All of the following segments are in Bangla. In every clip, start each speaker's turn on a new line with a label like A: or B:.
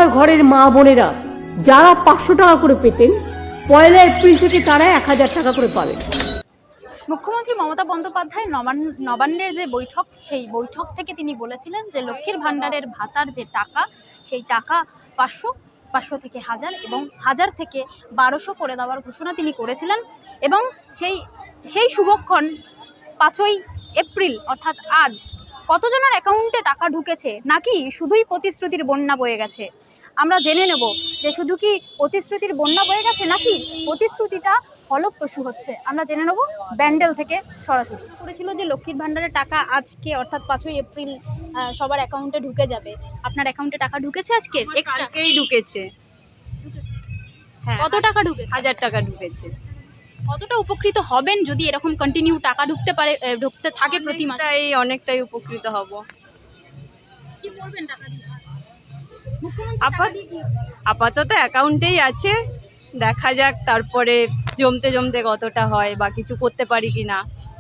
A: আমার ঘরের মা বোনেরা যারা 500 টাকা করে পেতেন, 1 এপ্রিল থেকে তারা 1000 টাকা করে পাবেন।
B: মুখ্যমন্ত্রী মমতা বন্দ্যোপাধ্যায় নবান্নের যে বৈঠক, সেই বৈঠক থেকে তিনি বলেছিলেন যে লক্ষ্মীর ভাণ্ডারের ভাতার যে টাকা, সেই টাকা 500 থেকে 1000 এবং 1000 থেকে 1200 করে দেওয়ার ঘোষণা তিনি করেছিলেন। এবং সেই শুভক্ষণ 5ই এপ্রিল অর্থাৎ আজ কতজনের অ্যাকাউন্টে টাকা ঢুকেছে, নাকি শুধুই প্রতিশ্রুতির বন্যা বয়ে গেছে? আমরা জেনে নেব যে শুধু কি প্রতিশ্রুতির বন্যা বয়ে গেছে, নাকি প্রতিশ্রুতিটা ফলপ্রসূ হচ্ছে। আমরা জেনে নেব ব্যান্ডেল থেকে সরাসরি। করেছিল যে লক্ষ্মীর ভাণ্ডারের টাকা আজকে অর্থাৎ 5ই এপ্রিল সবার অ্যাকাউন্টে ঢুকে যাবে। আপনার অ্যাকাউন্টে টাকা ঢুকেছে আজকে?
C: এক্সট্রাকেই ঢুকেছে। হ্যাঁ,
B: কত টাকা ঢুকেছে?
C: 1000 টাকা ঢুকেছে।
B: কতটা উপকৃত হবেন যদি এরকম কন্টিনিউ টাকা ঢুকতে থাকে প্রতি মাসে?
C: অনেকটাই উপকৃত হব।
B: কি করবেন টাকা দিয়ে? মুখ্যমন্ত্রী টাকা দিয়ে কি?
C: আপাতত অ্যাকাউন্টেই আছে, দেখা যাক তারপরে জমতে জমতে কতটা হয় বা কিছু করতে পারি কিনা।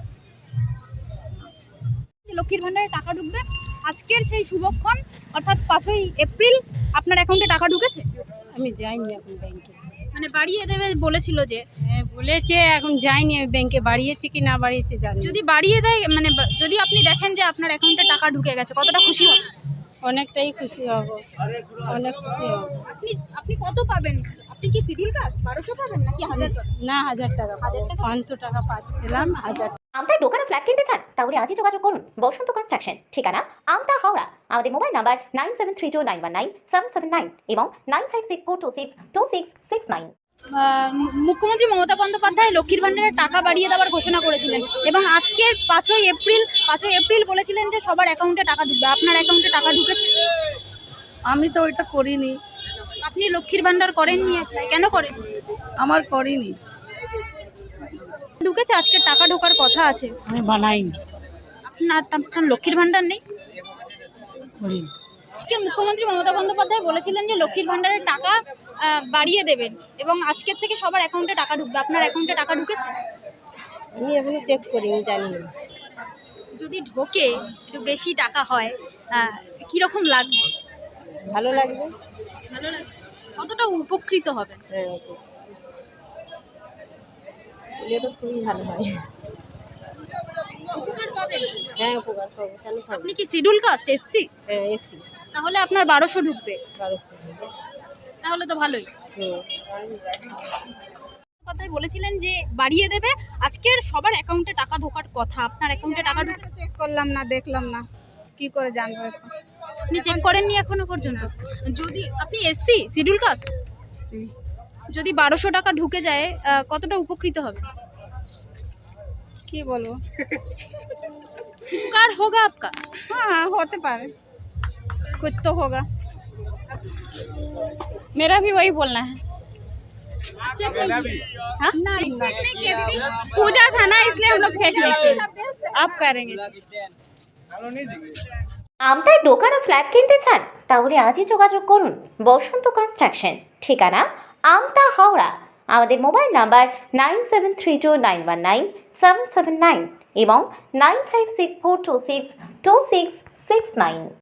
B: লক্ষ্মীর ভাণ্ডারে টাকা ঢুকবে আজকের সেই শুভক্ষণ অর্থাৎ 5ই এপ্রিল আপনার অ্যাকাউন্টে টাকা ঢুকেছে?
C: আমি যাইনি এখন ব্যাংকে।
B: মানে বাড়িয়ে দেবে বলেছিল যে।
C: হ্যাঁ বলেছে, এখন যাইনি আমি ব্যাংকে, বাড়িয়েছে কি না বাড়িয়েছে জানি।
B: যদি বাড়িয়ে দেয়, মানে যদি আপনি দেখেন যে আপনার অ্যাকাউন্টে টাকা ঢুকে গেছে, কতটা খুশি হবেন?
C: অনেকটাই খুশি হব, অনেক খুশি হব।
B: আপনি কত পাবেন? আপনি কি সিডিল কাস্ট? 1200 পাবেন নাকি 1000 পাবেন?
C: না 1000 টাকা, 500 টাকা পাচ্ছিলাম, 1000।
D: আমতায় দোকানে ফ্ল্যাট কিনতে চান? তাহলে আজই যোগাযোগ করুন বসন্ত কনস্ট্রাকশন, ঠিকানা আমতা হাওড়া। আমাদের মোবাইল নাম্বার 9732919779 এবং 9564262669।
B: মুখ্যমন্ত্রী মমতা বন্দ্যোপাধ্যায় লক্ষ্মীর ভাণ্ডারের টাকা বাড়িয়ে দেওয়ার ঘোষণা করেছিলেন এবং আজকের 5ই এপ্রিল বলেছিলেন যে সবার অ্যাকাউন্টে টাকা ঢুকবে। আপনার অ্যাকাউন্টে টাকা ঢুকেছে?
E: আমি তো ওইটা করিনি।
B: আপনি লক্ষ্মীর ভাণ্ডার করেননি? কেন করেন?
E: আমার করিনি।
B: ঢুকেছে, আজকে টাকা ঢোকার কথা আছে।
E: আমি বানাইনি।
B: আপনার লক্ষ্মীর ভাণ্ডার নেই?
E: করিনি।
B: আজকে মুখ্যমন্ত্রী মমতা বন্দ্যোপাধ্যায় বলেছিলেন যে লক্ষ্মীর ভাণ্ডারের টাকা বাড়িয়ে দেবেন এবং আজকের থেকে সবার অ্যাকাউন্টে টাকা ঢুকবে। আপনার অ্যাকাউন্টে টাকা ঢুকেছে?
C: আমি এখনো চেক করিনি, জানি না।
B: যদি ঢোকে, একটু বেশি টাকা হয়, কীরকম লাগবে?
C: ভালো লাগবে।
B: ভালো লাগবে। কতটা উপকৃত হবেন?
C: হ্যাঁ, এলে তো খুবই ভালো হয়।
B: উপকার পাবেন?
C: হ্যাঁ উপকার পাবো, কেন পাবো?
B: আপনি কি শিডিউল কাস্ট, এসসি?
C: হ্যাঁ এসি।
B: তাহলে আপনার 1200 ঢুকবে,
C: 1200।
B: তাহলে তো ভালোই। কথাই বলেছিলেন যে বাড়িয়ে দেবে, আজকের সবার অ্যাকাউন্টে টাকা ঢোকার কথা। আপনার অ্যাকাউন্টে টাকা ঢুকেছে?
E: চেক করলাম না, দেখলাম না, কি করে জানবো এখন?
B: আপনি চেক করেননি এখনো পর্যন্ত? যদি আপনি এসসি, শিডিউল কাস্ট, যদি 1200 টাকা ঢুকে যায়, কতটা উপকৃত হবে?
E: কি বলবো?
B: উপকার হোগা আপকা?
E: हाँ होते पारे, कुछ तो होगा।
C: मेरा भी वही बोलना है।
B: चेक नहीं किए?
C: हाँ?
B: चेक नहीं किए दीदी?
C: पूजा था ना, इसलिए हम लोग चेक नहीं किए। आप करेंगे।
D: আমতায় দোকানে ফ্ল্যাট কিনতে চান? তাহলে আজই যোগাযোগ করুন বসন্ত কনস্ট্রাকশন, ঠিকানা আমতা হাওড়া। আমাদের মোবাইল নাম্বার 9732919779 এবং 9564262669।